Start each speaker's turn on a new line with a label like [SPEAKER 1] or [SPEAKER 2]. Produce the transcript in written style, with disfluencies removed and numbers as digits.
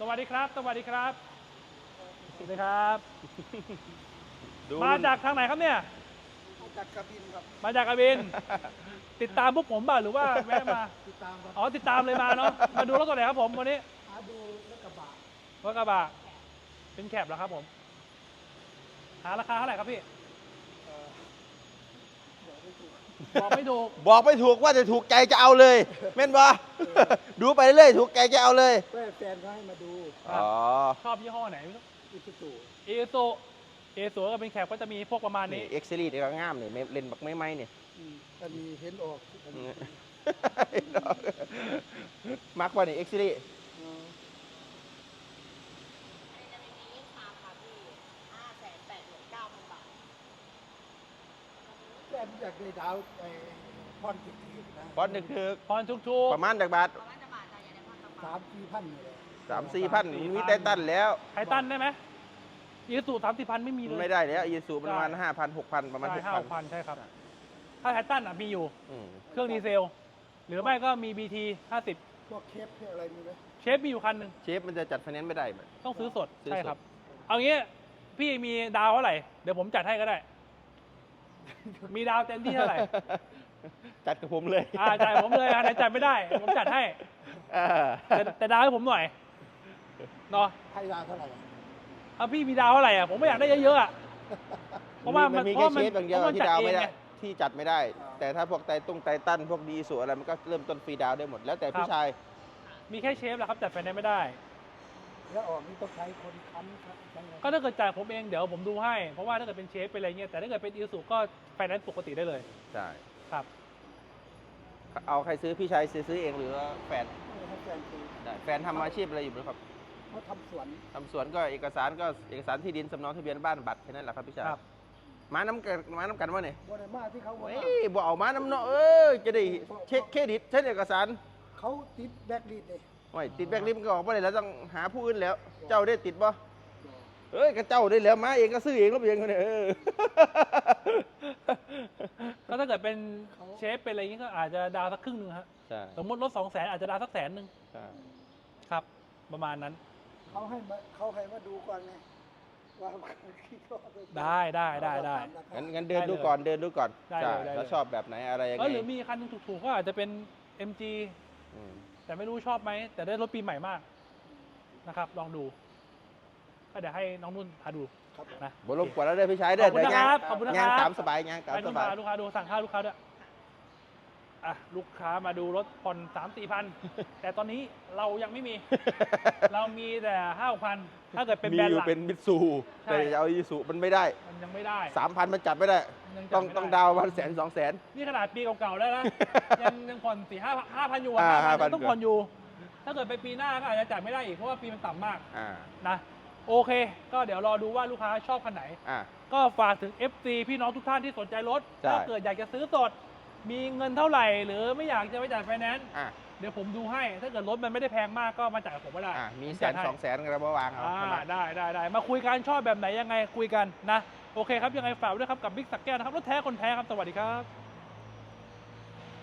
[SPEAKER 1] สวัสดีครับสวัสดีครับสวัสดีครับ
[SPEAKER 2] ดู
[SPEAKER 1] มาจากทางไหนครับเนี่ย
[SPEAKER 3] มาจากกระบินครับ
[SPEAKER 1] มาจากกระบิน ติดตามพวกผมบ้างหรือว่าแวะมา
[SPEAKER 3] ติดตามครับ
[SPEAKER 1] อ๋อติดตามเลยมาเนาะมาดูรถตัวไหนครับผมวันนี้
[SPEAKER 3] หาดูรถกระบะ
[SPEAKER 1] รถกระบะเป็นแคปเหรอครับผมหาราคาเท่าไหร่ครับพี่
[SPEAKER 3] เอ่อบอกไม่ถูก
[SPEAKER 1] บอกไม่ถูก
[SPEAKER 2] บอกไม่ถูกว่าจะถูกใจจะเอาเลยแม่นบ่ ดูไปเรื่อยถูกใจจะเอาเลย
[SPEAKER 3] แม่แฟนเขาให้มาดู
[SPEAKER 1] ครับ
[SPEAKER 2] อ๋อ
[SPEAKER 1] ชอบยี่ห้อไหนไม่รู้
[SPEAKER 3] อิสุสุ
[SPEAKER 1] เอโซก็เป็นแคปก็จะมีพวกประมาณ
[SPEAKER 2] นี่
[SPEAKER 1] นี้
[SPEAKER 2] เอ็กซ์ซีรีส์ก็งามนี่เล่นบักไม่เนี่ย
[SPEAKER 3] อันนี้เห็นออกอันนี้
[SPEAKER 2] มักว่านี่เอ็กซ์ซีรีส์
[SPEAKER 3] เอ่อ
[SPEAKER 4] จะมียิ่งคาค่ะพี่589,000 บาท
[SPEAKER 3] แฟนอยากได้ดาวไอ้พอนติดทีนะ
[SPEAKER 2] บอลนึกคือ
[SPEAKER 1] พรทุก
[SPEAKER 2] ประมาณจากบาท
[SPEAKER 4] ประมาณจะบาทจะอย่างไรพันบาท
[SPEAKER 3] 3-4 พันนี่แหละ
[SPEAKER 2] 3-4 พันมีไตตันแล้ว
[SPEAKER 1] ๆไททันได้ไหมอีซู30,000ไม่มีเลย
[SPEAKER 2] ไม่ได้แล้วอีซูประมาณ 5,000 6,000 ประมาณ
[SPEAKER 1] ใช่
[SPEAKER 2] 6,000
[SPEAKER 1] 5,000ใช่ครับ ถ้าไททันมีอยู่
[SPEAKER 2] อืม
[SPEAKER 1] เครื่องดีเซล หรือไม่ก็มี BT 50
[SPEAKER 3] พวกเคปพวกอะไรมีไหม
[SPEAKER 1] เชฟมีอยู่คันหนึ่ง
[SPEAKER 2] เชฟมันจะจัดไฟแนนซ์ไม่ได้แบบ
[SPEAKER 1] ต้องซื้อสด
[SPEAKER 2] ซื้อสด
[SPEAKER 1] ใช่ครับ เอางี้พี่มีดาวเท่าไหร่ เดี๋ยวผมจัดให้ก็ได้ มีดาวเต็มที่เท่าไหร่
[SPEAKER 2] จัดกับผมเลย
[SPEAKER 1] จ่ายผมเลยอันไหนจัดไม่ได้ ผมจัดให้
[SPEAKER 2] เออ
[SPEAKER 1] แต่ดาวให้ผมหน่อยเนาะ
[SPEAKER 3] ให้ดาวเท่าไหร่อะ
[SPEAKER 1] เอาพี่มีดาวเท่าไหร่อ่ะผมไม่อยากได้เยอะๆอ่ะเพราะว่ามัน
[SPEAKER 2] มี
[SPEAKER 1] เพ
[SPEAKER 2] แค่
[SPEAKER 1] ราะ
[SPEAKER 2] เชฟอย่างเดียว
[SPEAKER 1] พระน
[SPEAKER 2] ที่ดาวไม่ได้
[SPEAKER 1] จัเองง
[SPEAKER 2] ที่จัดไม่ได้ แต่ถ้าพวกไตตันพวกดีสูอะไรมันก็เริ่มต้นฟรีดาวได้หมดแล้วแต่ผู้ชาย
[SPEAKER 1] มีแค่เชฟแหละครับจัดไฟแนนซ์ไม่ได้
[SPEAKER 3] แล้วออกนี่ต้องใช้คนค้ำครับยังไง
[SPEAKER 1] ก็ถ้าเกิดจ่ายผมเองเดี๋ยวผมดูให้ เพราะว่าถ้าเกิดเป็นเชฟเป็นอะไรเงี้ยแต่ถ้าเกิดเป็นอีซูก็ไฟแนนซ์ปกติได้เลย
[SPEAKER 2] ใช่
[SPEAKER 1] ครับ
[SPEAKER 2] เอาใครซื้อพี่ชายซื้อเองหรือว่าแฟน
[SPEAKER 3] ให้แฟนคือ
[SPEAKER 2] ได้แฟนทำอาชีพอะไรอยู่ไหมครับ
[SPEAKER 3] เขาทำสวน
[SPEAKER 2] ทำสวนก็เอกสารที่ดินสำเนาทะเบียนบ้านบัตรแค่นั้นแหละครับพี่ชาย
[SPEAKER 1] ครับ
[SPEAKER 2] มาน้ำกันวะเนี่ย
[SPEAKER 3] บริมาที่เขาบอก
[SPEAKER 2] เฮ้
[SPEAKER 3] ว่าย
[SPEAKER 2] บอกเอามาน้ำเนาะจะได้เช็คเครดิตเช็คเอกสาร
[SPEAKER 3] เขาติดแบ็กลิสต์เลย
[SPEAKER 2] โอ้ยติดแบงค์ลิสต์มันก็ออกไปเลยแล้วต้องหาผู้อื่นแล้ว เจ้าได้ติดป่ะเอ้ยก็เจ้าได้แล้วมาเองก็ซื้อเองแล้วเองคนเนี่ย
[SPEAKER 1] ก็ถ้าเกิดเป็นเชฟเป็นอะไรเงี้ยก็อาจจะดาวสักครึ่งหนึงครับ
[SPEAKER 2] ใช่
[SPEAKER 1] สมมติลด200,000อาจจะดาวสัก100,000ครับ ประมาณนั้น
[SPEAKER 3] เขาให้มาดูก่อนไงว่าคิดว่า
[SPEAKER 1] ได้
[SPEAKER 2] งั้นเดินดูก่อน
[SPEAKER 1] ได้เลย
[SPEAKER 2] ใช่
[SPEAKER 1] ได้เลย
[SPEAKER 2] แล้วชอบแบบไหนอะไรยัง
[SPEAKER 1] ก็
[SPEAKER 2] ไง
[SPEAKER 1] หรือมีคันหนึงถูกๆก็อาจจะเป็น MG
[SPEAKER 2] อืม
[SPEAKER 1] แต่ไม่รู้ชอบไหมแต่ได้รถปีใหม่มากนะครับ ลองดูก็เดี๋ยวให้น้องนุ่นพาดู
[SPEAKER 3] ครับ
[SPEAKER 1] นะ
[SPEAKER 2] บรบกวนแล้วเด้อพี่ชาย
[SPEAKER 1] ข
[SPEAKER 2] เด้
[SPEAKER 1] อ
[SPEAKER 2] อบ
[SPEAKER 1] คุณนะครับขอบคุณนะครับ
[SPEAKER 2] งานตามสบายงานตาม
[SPEAKER 1] ให้
[SPEAKER 2] ส
[SPEAKER 1] นุ่น
[SPEAKER 2] บาย
[SPEAKER 1] พาลูกค้าดูสั่งข้าวลูกค้าด้วยลูกค้ามาดูรถผ่อน3-4 พัน แต่ตอนนี้เรายังไม่มี เรามีแต่5-6 พันถ้าเกิดเป็น
[SPEAKER 2] มี
[SPEAKER 1] แบรน
[SPEAKER 2] อ
[SPEAKER 1] ด์ห
[SPEAKER 2] ยู่
[SPEAKER 1] ลัก
[SPEAKER 2] เป็นมิตซู
[SPEAKER 1] ใช่
[SPEAKER 2] แต่จะเอาอีซูมันไม่ได้
[SPEAKER 1] มันยังไม่ได้
[SPEAKER 2] 3,000 มันจัดไม่ได้
[SPEAKER 1] ยังจั
[SPEAKER 2] ต้
[SPEAKER 1] ด
[SPEAKER 2] อง
[SPEAKER 1] ไม่
[SPEAKER 2] ต้องดาวน์วัน100,000 200,000
[SPEAKER 1] นี่ขนาดปีเก่าๆแล้วนะ ยังผ่อน4-5,000อยู่อะ
[SPEAKER 2] 5,000
[SPEAKER 1] ต้องผ่อนอยู่ ถ้าเกิดไปปีหน้าก็อาจจะจ่ายไม่ได้อีกเพราะว่าปีมันต่ำมาก
[SPEAKER 2] อ่า
[SPEAKER 1] นะโอเค ก็เดี๋ยวรอดูว่าลูกค้าชอบคันไหน
[SPEAKER 2] อ่า
[SPEAKER 1] ก็ฝากถึง FC พี่น้องทุกท่านที่สนใจรถ
[SPEAKER 2] ใช่
[SPEAKER 1] ถ้าเกิดอยากจะซื้อสด มีเงินเท่าไหร่ หรือไม่อยากจะไปจ่ายไฟแนนซ์
[SPEAKER 2] อ่า
[SPEAKER 1] เดี๋ยวผมดูให้ ถ้าเกิดรถมันไม่ได้แพงมากก็มาจ่ายกับผมก็ได้
[SPEAKER 2] มี
[SPEAKER 1] ผ
[SPEAKER 2] 100,000
[SPEAKER 1] จัดให้
[SPEAKER 2] 200,000กระวางเอาเข้ามา
[SPEAKER 1] ได้มาคุยกันชอบแบบไหนยังไงคุยกันนะ โอเคครับ ยังไงฝากด้วยครับกับบิ๊กสักแก้วนะครับ รถแท้คนแท้ครับ สวัสดีครับ